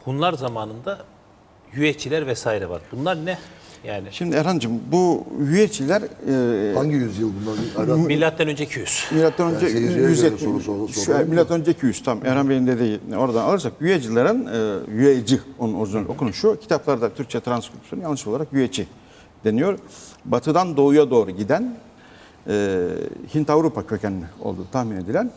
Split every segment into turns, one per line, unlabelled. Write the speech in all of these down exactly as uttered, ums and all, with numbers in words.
Hunlar zamanında Yüeçiler vesaire var. Bunlar ne? Yani
Şimdi Erhan'cığım bu Yüeçiler e,
Hangi yüzyıl bunlar? Erhan,
milattan önce iki yüz.
milattan önce
Yani seyirciye
yüz
göre
yetmiş
soru sor-
şu-
soralım da.
milattan önce iki yüz tam Erhan Bey'in dediği oradan alırsak Yüecilerin e, Yüeci onun orijinal okunuşu kitaplarda Türkçe transkripsiyonu yanlış olarak Yüeci deniyor. Batıdan doğuya doğru giden e, Hint Avrupa kökenli olduğu tahmin edilen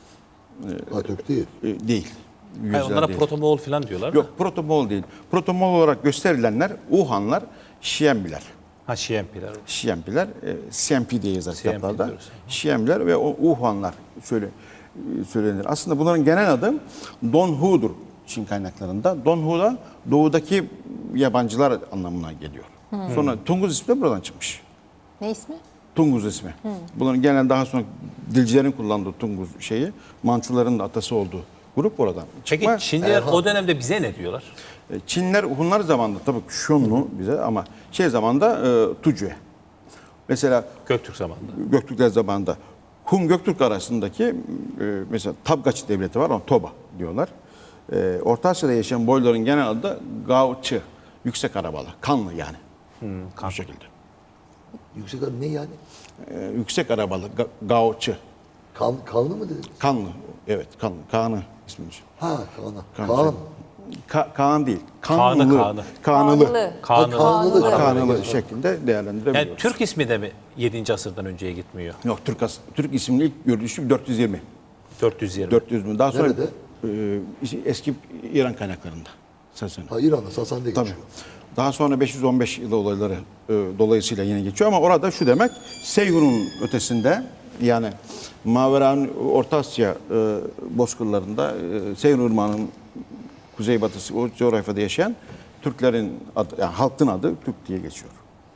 Atatürk değil.
e, değil.
Hayır,
Yüeciler
onlara
değil.
protomoğol falan diyorlar da.
Yok protomol değil. Protomol olarak gösterilenler Uhanlar, Şiembiler.
Ha Şiempiler.
Şiempiler, e, C M P diye yazar
C M P
kitaplarda.
diyoruz.
Şiemler ve o Uhuanlar söyle, e, söylenir. Aslında bunların genel adı Don Hu'dur Çin kaynaklarında. Don Hu da doğudaki yabancılar anlamına geliyor. Sonra Tunguz ismi de buradan çıkmış.
Ne ismi?
Tunguz ismi. Bunların genel daha sonra dilcilerin kullandığı Tunguz şeyi, Mançuların da atası olduğu grup oradan
Peki
çıkma.
Çinliler o dönemde bize ne diyorlar?
E, Çinler Hunlar zamanında tabii Şunlu bize ama şey zamanında e, Tucue. Mesela
Göktürk zamanında.
Göktürkler zamanında Hun Göktürk arasındaki e, mesela Tabgaç devleti var, ona Toba diyorlar. E, Orta Asya'da yaşayan boyların genel adı da Gaoçı, yüksek arabalı, kanlı yani. Bu şekilde.
Yüksek adı ne yani?
E, yüksek arabalı, ga, Gaoçı,
Kan, kanlı mı dediniz?
kanlı. Evet, kanlı. Kaan'ı ismimiz.
Ha Kaan'a.
Kaan.
Kaan.
Ka, Kaan değil.
Kaan'ı,
Kanlı.
Kaan'ı.
Kanlı.
Kanlı.
Kanlı.
Kanlı şeklinde değerlendirebiliyoruz.
Yani Türk ismi de mi yedinci asırdan önceye gitmiyor?
Yok, Türk, as- Türk isimli ilk görülüşü dört yüz yirmi.
dört yüz yirmi.
dört yüz mü? Daha sonra
Nerede?
e, işte eski İran kaynaklarında. Sasani.
Ha İran'da Sasan'da geçiyor.
Tabii. Daha sonra beş yüz on beş yılı olayları e, dolayısıyla yine geçiyor ama orada şu demek Seyhun'un ötesinde yani Maveran Orta Asya e, bozkırlarında e, Seyhun Irmağı'nın kuzeybatısı o coğrafyada yaşayan Türklerin adı, yani halkın adı Türk diye geçiyor.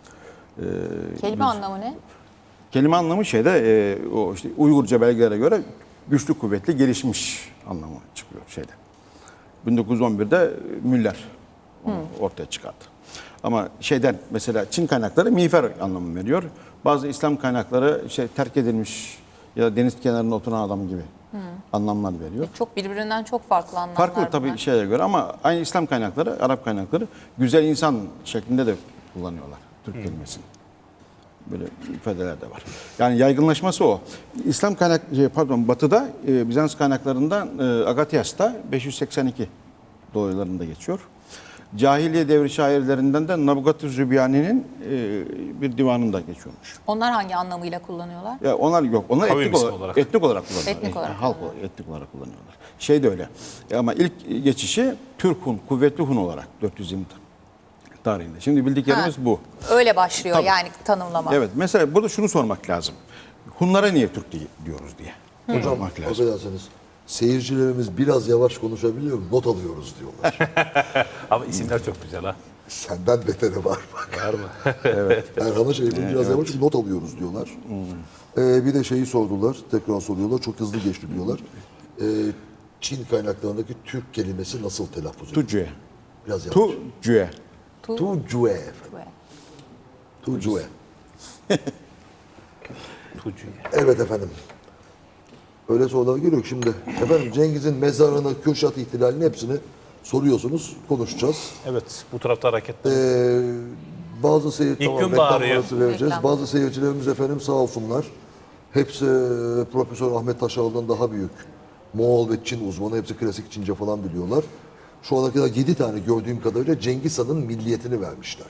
Kelime anlamı ne?
Kelime anlamı şeyde e, o işte Uygurca belgelere göre güçlü, kuvvetli, gelişmiş anlamı çıkıyor şeyde. bin dokuz yüz on birde Müller onu ortaya çıkardı. Ama şeyden mesela Çin kaynakları miğfer anlamı veriyor. Bazı İslam kaynakları şey terk edilmiş ya da deniz kenarında oturan adam gibi anlamlar veriyor.
Çok birbirinden çok farklı anlamlar
Farklı tabii
bunlar.
şeye göre ama aynı İslam kaynakları, Arap kaynakları güzel insan şeklinde de kullanıyorlar Türk kelimesini. Böyle ifadeler de var. Yani yaygınlaşması o. İslam kaynak, şey, pardon Batı'da e, Bizans kaynaklarında e, Agatias'ta beş yüz seksen iki dolaylarında geçiyor. Cahiliye devri şairlerinden de Nabukat-ı Zübyanî'nin e, bir divanında geçiyormuş.
Onlar hangi anlamıyla kullanıyorlar?
Ya onlar yok. Onlar
Kavim
etnik
ismi
olarak,
olarak.
etnik olarak kullanıyorlar.
Etnik olarak
halk olarak, etnik olarak kullanıyorlar. Şey de öyle. E, ama ilk geçişi Türk Hun, kuvvetli Hun olarak dört yüz yirmi tarihinde. Şimdi bildiklerimiz
Ha.
bu.
Öyle başlıyor
Tabii.
yani tanımlama.
Evet. Mesela burada şunu sormak lazım. Hunlara niye Türk diye- diyoruz diye.
Hocam
Sormak lazım.
affedersiniz. Seyircilerimiz biraz yavaş konuşabiliyor mu? Not alıyoruz diyorlar.
Ama isimler çok güzel ha.
Senden beteri var bak.
Var mı?
Erhan'a şey yapın, biraz yavaş not alıyoruz diyorlar. Ee, bir de şeyi sordular, tekrar soruyorlar. Çok hızlı geçti diyorlar. Ee, Çin kaynaklarındaki Türk kelimesi nasıl telaffuz edilir?
Tucue.
Biraz yavaş.
Tucue.
Tu-
Tucue. Tucue.
Tucu.
Evet efendim. Öyle sorular geliyor ki şimdi. Efendim Cengiz'in mezarını, Kürşat ihtilalini hepsini soruyorsunuz. Konuşacağız.
Evet, bu tarafta hareketler.
Ee, bazı seyir
İlk
tamam,
gün
reklam
bağırıyor.
arası vereceğiz.
Reklam.
Bazı seyircilerimiz efendim sağ olsunlar. Hepsi e, Profesör Ahmet Taşağlı'dan daha büyük. Moğol ve Çin uzmanı. Hepsi klasik Çince falan biliyorlar. Şu ana kadar yedi tane gördüğüm kadarıyla Cengiz Han'ın milliyetini vermişler.